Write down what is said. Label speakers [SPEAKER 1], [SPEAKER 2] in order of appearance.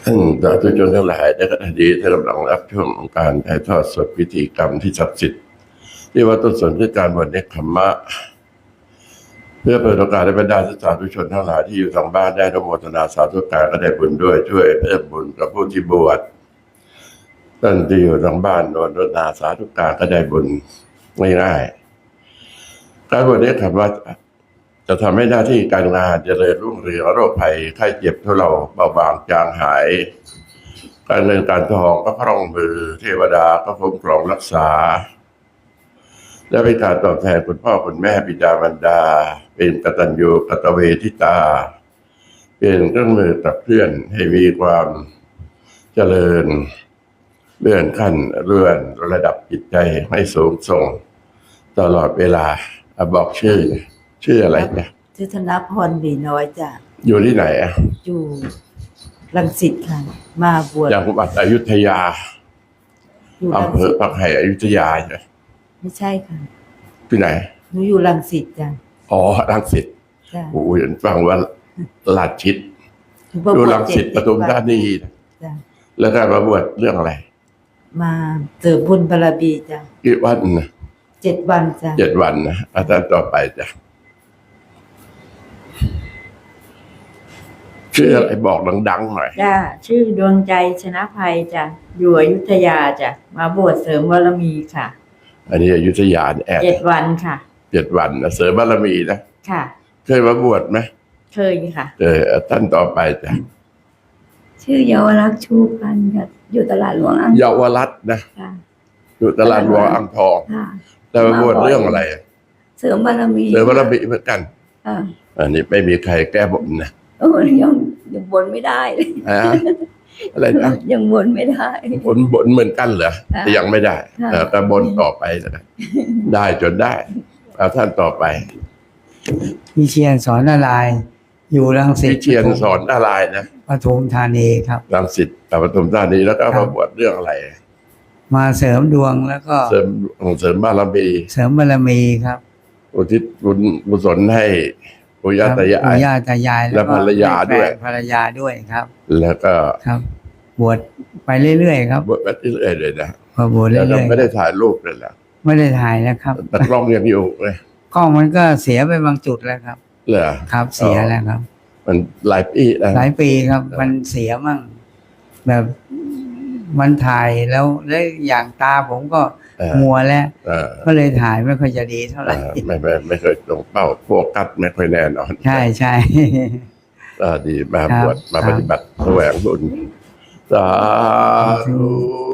[SPEAKER 1] ท่านสาธุชนทั้งหลายในขณะนี้ท่านกำลังรับช่วงของการถ่ายทอดสดพิธีกรรมที่ศักดิ์สิทธิ์ที่วัดต้นสนคือการบวชเนกขัมมะเพื่อเปิดโอกาสให้บรรดาสาธุชนทั้งหลายที่อยู่ทางบ้านได้อนุโมทนาสาธุการก็ได้บุญด้วยช่วยเพิ่มบุญกับผู้ที่บวชท่านที่อยู่ทางบ้านอนุโมทนาสาธุการก็ได้บุญง่ายๆการบวชเนกขัมมะจะทำให้หน้าที่การงานเจริญรุ่งเรืองโรคภัยไข้เจ็บทุเลาเบาบางจางหายการเงินการทองก็คล่องมือเทวดาก็คุ้มครองรักษาและเป็นการตอบแทนคุณพ่อคุณแม่บิดามารดาเป็นกตัญญูกตเวทิตาเป็นเครื่องมือขับเคลื่อนให้มีความเจริญเลื่อนขั้นเลื่อนระดับจิตใจให้สูงส่งตลอดเวลาบอกชื่ออะไรจ้ะ
[SPEAKER 2] ชื่อธนพรบีน้อยจ้ะ
[SPEAKER 1] อยู่ที่ไหนอ่ะ
[SPEAKER 2] อยู่รังสิตค่ะมาบวช
[SPEAKER 1] จังหวัดอยุธยาอำเภอปักไห่อยุธยาใช่
[SPEAKER 2] ไม่ใช่ค่ะ
[SPEAKER 1] ที่ไหน
[SPEAKER 2] หนูอยู่รังสิตจ้ะ
[SPEAKER 1] อ๋อรังสิต
[SPEAKER 2] จ้ะ
[SPEAKER 1] โอ้ยฟังว่าลาดชิดอยู่รังสิตปทุมธานี
[SPEAKER 2] จ้ะ
[SPEAKER 1] แล้วการมาบวชเรื่องอะไร
[SPEAKER 2] มาเสริมบุญบารมีจ้ะ
[SPEAKER 1] กี่วันนะ
[SPEAKER 2] 7 วันจ้ะ
[SPEAKER 1] 7 วันนะอาจารย์ต่อไปจ้ะชื่ออะไรบอกดังๆหน่อย
[SPEAKER 2] จ้ะชื่อดวงใจชนะภัยจ้ะอยู่อยุธยาจ้ะมาบวชเสริมบารมีค่ะ
[SPEAKER 1] อันนี้อยุธยาแอบ
[SPEAKER 2] 7 วันค่ะ
[SPEAKER 1] 7 วันนะเสริมบารมีนะ
[SPEAKER 2] ค่ะ
[SPEAKER 1] เคยมาบวชไหม
[SPEAKER 2] เคยค่ะ
[SPEAKER 1] ท่านต่อไปจ้ะ
[SPEAKER 3] ชื่อเยาวรักษ์ชูพันธ์ค่ะอยู่ตลาดหลวงอ่างทอง
[SPEAKER 1] เยาวรัตน์นะอยู่ตลาดหลวงอ่างทองแต่มาบวชเรื่องอะไร
[SPEAKER 3] เสริมบารมี
[SPEAKER 1] เหมือนกัน
[SPEAKER 3] ค่ะ
[SPEAKER 1] อันนี้ไม่มีใครแก้บนนะ
[SPEAKER 3] ยังบนไม่ได้เลย
[SPEAKER 1] อะไรนะ
[SPEAKER 3] ยังบนไม่ได้
[SPEAKER 1] บนเหมือนกันเหรอแต่ยังไม่ได้แต่บนต่อไปนะได้จนได้เอาท่านต่อไป
[SPEAKER 4] พี่เชียนสอนอะไรอยู่รังสิต
[SPEAKER 1] พี่เชียนสอนอะไรนะ
[SPEAKER 4] ปทุมธานีครับ
[SPEAKER 1] รังสิตปทุมธานีแล้วก็มาบวชเรื่องอะไร
[SPEAKER 4] มาเสริมดวงแล้วก็
[SPEAKER 1] เสริมบาร
[SPEAKER 4] มีครับ
[SPEAKER 1] อุทิศบุญกุศลให้ปู่ย่าตายายและภรรยา
[SPEAKER 4] ด้วยครับ
[SPEAKER 1] แล้วก็
[SPEAKER 4] ครับบวชไปเรื่อยๆครับ
[SPEAKER 1] บวชไปเรื่อยๆเลยนะ
[SPEAKER 4] พอบวชเรื่อย
[SPEAKER 1] ๆไม่ได้ถ่ายรูปเลยล่ะ
[SPEAKER 4] ไม่ได้ถ่ายแล้วครับ
[SPEAKER 1] แต่กล้องยังอยู่เลย
[SPEAKER 4] กล้องมันก็เสียไปบางจุดแล้วครับ
[SPEAKER 1] เหรอ
[SPEAKER 4] ครับเสียแล้วครับ
[SPEAKER 1] มันหลาย
[SPEAKER 4] ปีครับมันเสียมั่งแบบมันถ่ายแล้วอย่างตาผมก็มัวแล้วก็เลยถ่ายไม่ค่อยจะดีเท่าไหร่
[SPEAKER 1] ไม่เคยตรงเป้าโฟกัสไม่ค่อยแน่นอน
[SPEAKER 4] ใช่
[SPEAKER 1] ดีมาบวชมาปฏิบัติแสวงบุญสาธุ